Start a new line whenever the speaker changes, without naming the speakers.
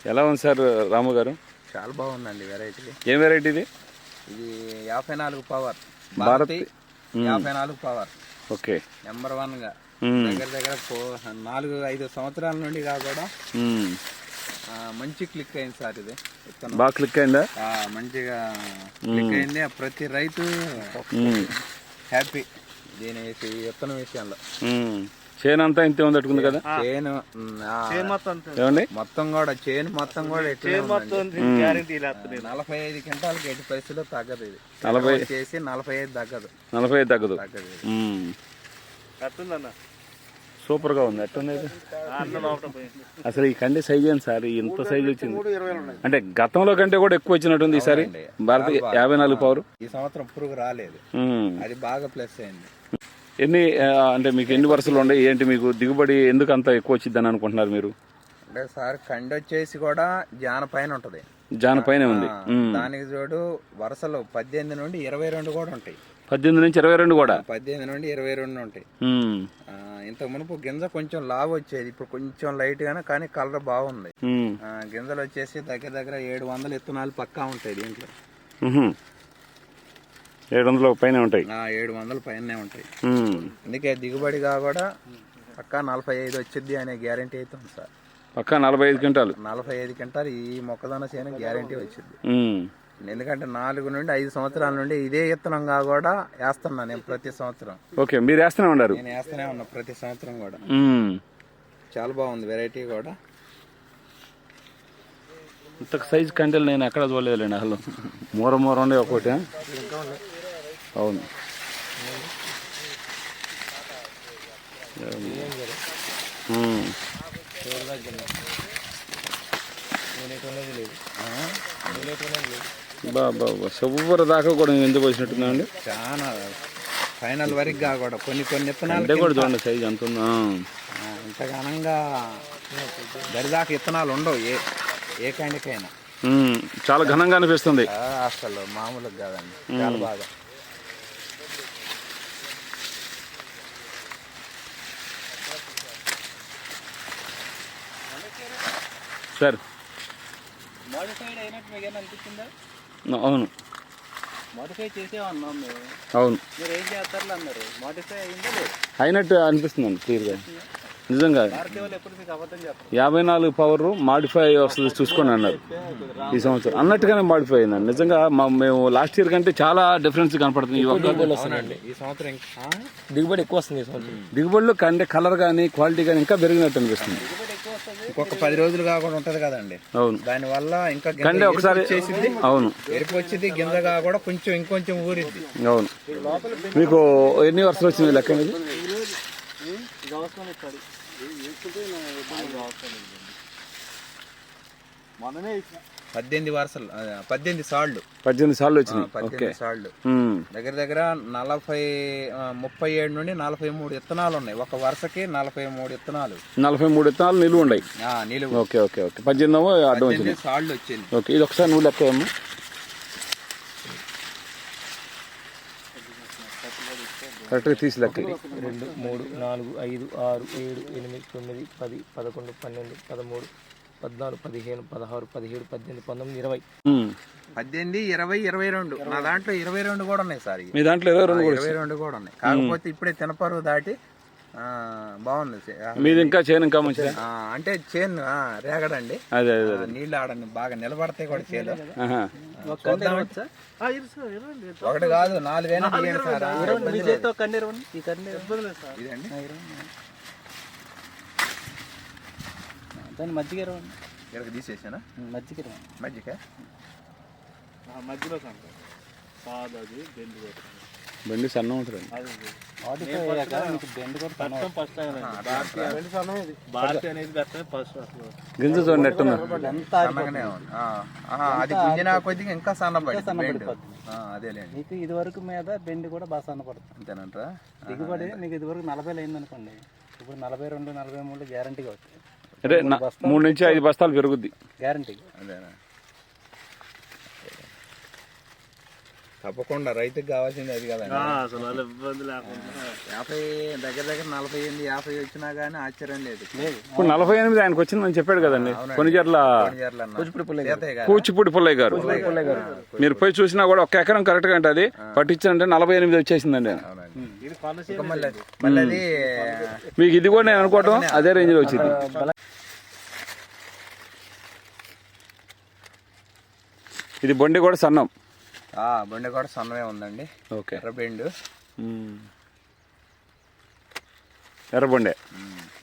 ఎలా ఉంది సార్ రాము గారు?
చాలా బాగుందండి వెరైటీ.
ఏం వెరైటీ ఇది?
ఇది 54 power
Bharat
54 power.
Okay,
number 1గా దగ్గర దగ్గర 4-5 సంవత్సరాల నుండి కూడా మంచి క్లిక్ అయింది సార్. ఇది
బాగా క్లిక్ అయిందా?
మంచిగా క్లిక్ అయింది. ప్రతి రైతు హ్యాపీ దీని విత్తనం విషయంలో.
చేను అంతా ఇంతే ఉంది అట్టుకుంది కదా?
చేను మొత్తం కూడా చేను మొత్తం కూడా 45 క్వింటాలకి ఎట్టి పరిస్థితుల్లో తగ్గదు. ఇది 40 చేసి 45 తగ్గదు.
45 తగ్గదు. సూపర్ గా ఉంది. ఎట్టుంది అసలు ఈ కండి సైజ్ ఏంటి సార్? ఇంత సైజ్ వచ్చింది అంటే గతంలో కంటే కూడా ఎక్కువ వచ్చినట్టుంది ఈసారి. భారత 54 పవర్
ఈ సంవత్సరం పురుగు రాలేదు, అది బాగా ప్లస్ అయింది.
ఎన్ని అంటే మీకు ఎన్ని వరుసలు ఉన్నాయి ఏంటి? మీకు దిగుబడి ఎందుకు అంత ఎక్కువ వచ్చిందని అనుకుంటున్నారు మీరు?
అంటే సార్ కండి వచ్చేసి కూడా జాన పైన ఉంటది.
జాన పైన ఉంది.
దానికి చూడు వరుసలు 18 నుండి 22 కూడా ఉంటాయి.
18 నుంచి 22 కూడా?
18 నుండి 22 ఉంటాయి. ఇంతకు మునుపు గింజ కొంచెం లావు వచ్చేది, ఇప్పుడు కొంచెం లైట్ గానే కానీ కలర్ బాగుంది. గింజలు వచ్చేసి దగ్గర దగ్గర 700 విత్తనాలు పక్కా ఉంటాయి దీంట్లో.
700 పైన ఉంటాయి.
700 పైనే ఉంటాయి. అందుకే దిగుబడిగా కూడా పక్కా 45 వచ్చింది అనే గ్యారంటీ అయితే ఉంది సార్.
పక్కా 45 క్వింటాలు.
45 క్వింటాలు ఈ మొక్కజొన్న చేను గ్యారంటీ వచ్చింది. ఎందుకంటే 4 నుండి 5 సంవత్సరాల నుండి ఇదే విత్తనంగా కూడా వేస్తున్నా నేను ప్రతి సంవత్సరం.
ఓకే, మీరు వేస్తూనే ఉన్నారు?
నేను వేస్తూనే ఉన్నా ప్రతి సంవత్సరం కూడా. చాలా బాగుంది వెరైటీ కూడా.
ఇంత సైజ్ కంటెలు నేను ఎక్కడ చూడలేదులేండి అసలు. మూర ఉండే ఒకటి. అవును, బాబా సూపర్ దాకా కూడా ఎందుకు వచ్చినట్టుందండి.
చాలా ఫైనల్ వరకు కూడా కొన్ని విత్తనాలు
కూడా చూడండి సైజ్ ఎంత ఉందా.
ఇంత ఘనంగా దరిదాకా విత్తనాలు ఉండవు ఏ కండికైనా.
చాలా ఘనంగా అనిపిస్తుంది
అసలు మామూలుగా కాదండి, చాలా బాగా.
సార్
మోడిఫైడ్ అయినట్టు మీకు ఏమైనా అనిపించిందా?
అవును,
మోడిఫై చేసేవన్నాం మేము.
అవును,
మీరు ఏం చేస్తారో అన్నారు. మోడిఫై అయిందా లేదు?
అయినట్టు అనిపిస్తుందండి క్లియర్గా. నిజంగా 54 పవర్ మాడిఫై వస్తుంది చూసుకోండి అన్నారు ఈ సంవత్సరం. అన్నట్టుగానే మాడిఫై అయిందండి. నిజంగా మేము లాస్ట్ ఇయర్ కంటే చాలా డిఫరెన్స్ కనపడుతుంది. ఈ
సంవత్సరం
దిగుబడి ఎక్కువ వస్తుంది. దిగుబడిలో కంటే కలర్ కానీ క్వాలిటీ కానీ ఇంకా పెరిగినట్టు అనిపిస్తుంది.
ఇంకొక 10 రోజులు కాకుండా ఉంటది కదండి.
అవును,
దాని వల్ల ఇంకా
కంటే ఒకసారి అవును
ఎరుపు వచ్చింది, గింజగా కూడా కొంచెం ఇంకొంచెం ఊరిద్ది. అవును.
మీకు ఎన్ని వర్షాలు వచ్చింది లెక్క అనేది?
18 వరుసలు, 18 సార్లు.
18 సార్లు వచ్చినాయి.
18 సార్లు. దగ్గర దగ్గర 37 నుండి 43 విత్తనాలు ఉన్నాయి. ఒక వరుసకి 43 విత్తనాలు.
43 విత్తనాలు నిలువ ఉన్నాయి.
నిలువ.
Okay okay okay. 18
సార్లు వచ్చింది.
ఓకే, ఇది ఒకసారి నువ్వు లెక్క ఏమో. కరెక్ట్గా తీసి లెక్క.
2, 3, 4, 5, 6, 7, 8, 9, 10, 11, 12, 13, 14, 15, 16, 17, 18, 19, 20.
18, 20, 22. నా దాంట్లో 22 కూడా ఉన్నాయి సార్.
మీ దాంట్లో
22 కూడా ఉన్నాయి. కాకపోతే ఇప్పుడే తినపరువు దాటి బాగుంది.
మీది ఇంకా చేను ఇంకా మంచిది
అంటే చేను రేగడండి.
అదే
నీళ్ళు ఆడండి బాగా నిలబడతాయి కూడా చేను. ఒకటి కాదు 4 అయినా
దాన్ని మజ్జిగ
తీసేసానా?
మజ్జిగ
మధ్యలో
బండి సన్నం ఉంటుంది. గింజ చూడండి ఎట్టున్నా.
అది గుంజినా కొద్దిగా ఇంకా సన్నపడి. అదేలేండి.
మీకు ఇది వరకు మీద బెండి కూడా బాగా సన్నపడుతుంది.
అంతేనంటారా?
దిగుబడి మీకు ఇది వరకు 40 అయింది అనుకోండి, ఇప్పుడు 42, 43 గ్యారంటీగా వస్తాయి.
అంటే 3 నుంచి 5 బస్తాలు పెరుగుద్ది
గ్యారంటీ.
అదేనా? తప్పకుండా రైతుకి కావాల్సింది అది కదండి.
అసలు వాళ్ళ ఇబ్బంది లేకుండా
50 దగ్గర 48, 50 వచ్చినా గానీ ఆశ్చర్యం లేదు.
ఇప్పుడు 48 ఆయనకు వచ్చిందని చెప్పాడు కదండి కొనిజర్ల కూచిపూడి పుల్లయ్య గారు. మీరు పోయి చూసినా కూడా ఒక ఎకరం కరెక్ట్ గా ఉంటుంది, పట్టించాలంటే 48 వచ్చేసిందండి.
ఇంకా మళ్ళీ అది
మీకు ఇది కూడా నేను అనుకోవటం అదే రేంజ్ లో వచ్చింది. ఇది బొండి కూడా సన్నం,
బండి కూడా సన్నమే ఉందండి.
ఓకే,
ఎర్రబెండు
ఎర్రబొండే.